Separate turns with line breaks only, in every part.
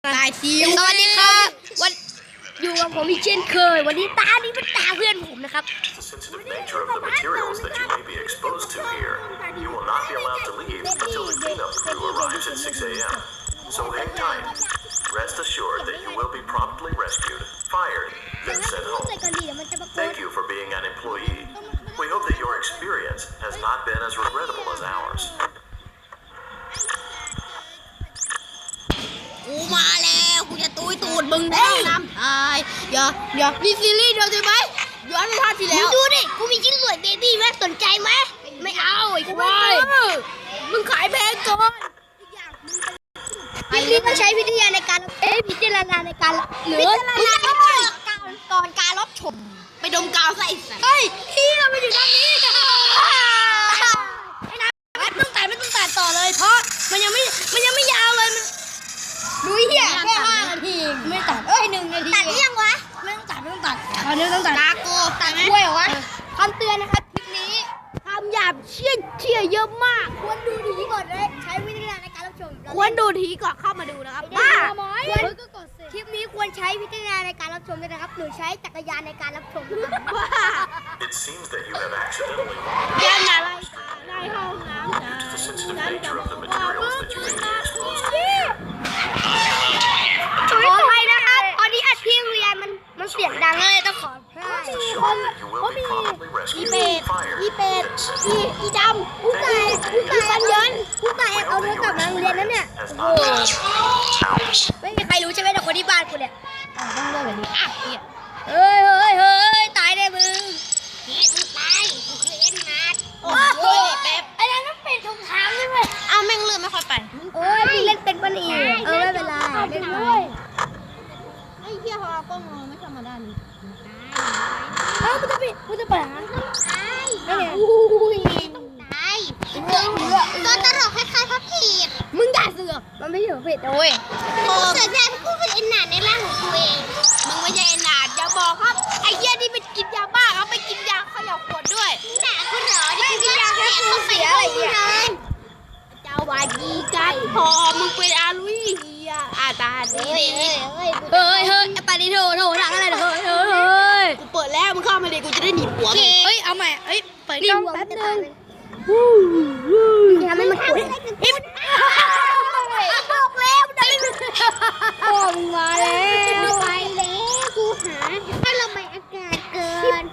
ตายทีสวัสดีครับวันอยู่กับผมอีกเช่นเคยวันนี้ตานี่เป็นตาเพื่อนผมนะครับ
The nature of the materials that you may be exposed to here, you will not be allowed to leave until the cleanup crew arrives at 6 a.m. So hang tight. Rest assured that you will be promptly rescued, fired, then sent home. Thank you for being an employee. We hope that your experience has not been as regrettable as ours.
กูมาแล้วกูจะตุ้ยตูดมึงแน่น้ำอย่ามีซีรีส์เดียวใช่ไหมย้อนไปภาคที่แล้วดูดิกูมีชิ้นส่วนเบบี้ไหมสนใจไหมไม่เอาไอ้ควายมึงขายแพงเกินพี่ก็ใช้วิทยาในการพิจารณาในการหรือก่อนการรับชมไปดมกาวใส่เฮ้ยพี่เราไปอยู่ด้านนี้ไอ้น้ำไม่ต้องตัดต่อเลยเพราะมันยังไม่ยาวเลยมันดูเหี้ยแค่5 นาทีไม่ตัด1 นาทีตัดยังวะไม่ต้องตัดตอนนี้ต้องตัดตาโกตัดไหมกล้วยเหรอวะคำเตือนนะครับคลิปนี้คำหยาบเชี่ยเยอะมากควรดูทีก่อนเลยใช้วิจารณญาณในการรับชมควรดูทีก่อนเข้ามาดูนะครับบ้าคลิปนี้ควรใช้วิจารณญาณในการรับชมด้วยนะครับหรือใช้จักรยานในการรับชมนะครับ
It seems that you have accidentally wandered
ยันอะไรได้ห้องน้ำ
due to the sensitive nature of the materials that you may be exposed to.
ขออภัยนะครับตอนนี้อัดคลิปเรียนมันเสียงดังเลยต้องขออภัย
Rest assured that you will be promptly
อี
rescued,
เป็ด
fired,
อีเป็ด
then sent
อีดำผู้ตายปันยนผู้ตายแอบเอาเนื้อกลับมาโรงเรียนนั่นเนี่ย
has
โอ้
not been as ours.
ไม่มีใครรู้ใช่ไหมแต่คนที่บ้านกูเนี่ยต้องเลือกแบบนี้อ่ะเนี่ยเฮ้ยตายได้มึงมึงตายกูคือเอ็นนาดโอ้ยแบบไอ้นั่นมันเป็นถุงเท้าใช่ไหมเอาแม่งเลือดไม่ค่อยไปมึงเล่นเป็นปะนี่ไม่เป็นไรเล่นเลยไอ้เหี้ยเขาเอากล้องมองไม่ธรรมดานี่กูจะเปิดตายอุ้ยต้องตายตัวตลกคล้ายๆพับผีมึงอย่าเสือกมันไม่ใช่พับผีโอ้ยเสือกแทนกูเป็นเอ็นนาดในร่างของกูเองมึงไม่ใช่เอ็นนาดอย่าบอกครับไอ้เหี้ยนี่ไปกินยาบ้าเขาไปกินยาขยับขวดด้วยด่ากูเหรอนี่กินยาแค่เขาเสียอะไรอย่างเงี้ยเจ้าวาดีกันพอมึงเป็นอาลุยเฮียอาตาดีเฮ้ยไปดิโถทางอะไรเฮ้ยกูเปิดแล้วมึงเข้ามาดิกูจะได้หนีหัวเฮ้ยเอาใหม่เฮ้ยเปิดกล้องแป๊บนึงทำให้มันกดบอกแล้วได้บอกมาแล้วไปแล้วกูหาถ้าเราไม่อากาศเกิน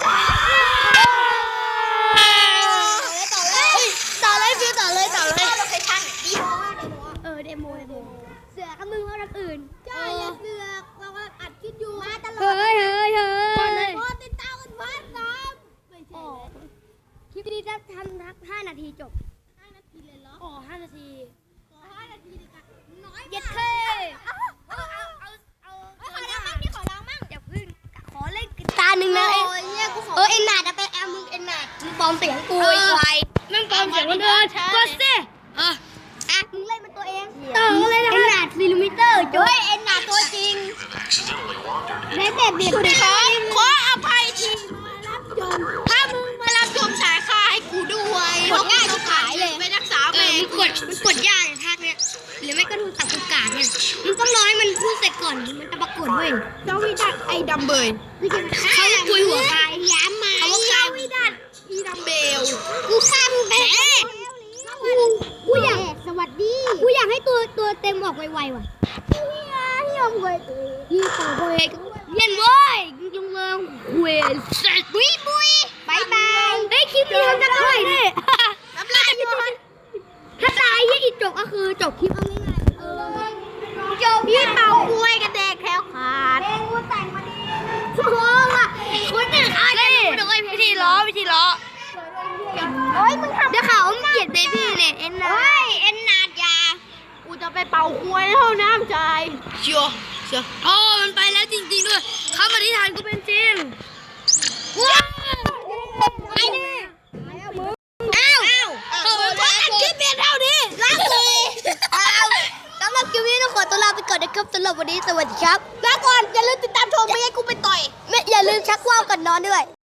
ต่อเลยโลเคชั่นเดโมเสือกับมึงว่าทางอื่นอย่าเสือกเรากำลังอัดคลิปอยู่มาตลอดเฮ้ยพอติดตามกันพันน้ำไม่ใช่คลิปนี้จะทำทัก5 นาทีจบ5 นาทีเลยเหรอ5 นาทีขอ5 นาทีดีกว่าน้อยเย็ดเท่เอาขอร้องมั่งนี่ขอร้องมั่งอย่าพึ่งขอเล่นกีตาร์หนึ่งนะเอ็นนาดไปมึงเอ็นนาดมึงปลอมเสียงกูไอ้ควายมึงปลอมเสียงคนอื่นก็สิมึงเล่นเป็นตัวเองต่อเลยนะเอ็นนาด4 มิเตอร์จ้วยเอ็นนาดตัวจริง
You have accidentally wandered
ใน
into
แบบเบียดขออภัยที
materials
ถ้า
that
มึ
you
ง
may
มารับชมสายค่าให้กูด้วยกดง่ายทุกขายเลยไปรักษาแม่มันกดยากภาคเนี้ยหรือไม่ก็ดูตับกุกาเนี่ยมึงต้องรอให้มันพูดเสร็จก่อนมันจะปรากฏเว้ยเจ้าวิดัดไอ้ดำเบยเขาคุยหัวกายย้ำมาเขาว่าเจ้าวิดัดอีดำเบลกูข้ามไปกูอยากสวัสดีกูอยากให้ตัวเต็มออกไวๆว่ะที่ออกไวที่ต่อไปเย็นเว้ยจงเลิงเวสบุยบายบายเฮ้ยคลิปนี้ทำจะเท่าไหร่เนี่ยน้ำลายถ้าตายยี่อีกจบก็คือจบคลิปเอาง่ายๆจบพี่เป่ากล้วยกระแดกแคล้วขาดเองกูแต่งมาดีโอ้ว่ะคุณหนึ่งด้วยวิธีล้อโอ้ยมึงทำเดี๋ยวเขาเกลียดเบบี้เลยเอ็นนาเอ็นนาดยากูจะไปเป่ากล้วยเท่าน้ำใจเชียวมันไปแล้วจริงๆด้วยคำอธิษฐานกูเป็นจริงว้าวไอ้นี่อ้าวขอตัดคลิปเพียงเท่านี้ลาเลยสำหรับคลิปนี้ต้องขอตัวลาไปก่อนนะครับสำหรับวันนี้สวัสดีครับลาก่อนอย่าลืมติดตามชมไม่ให้กูไปต่อยอย่าลืมชักว่าวก่อนนอนด้วย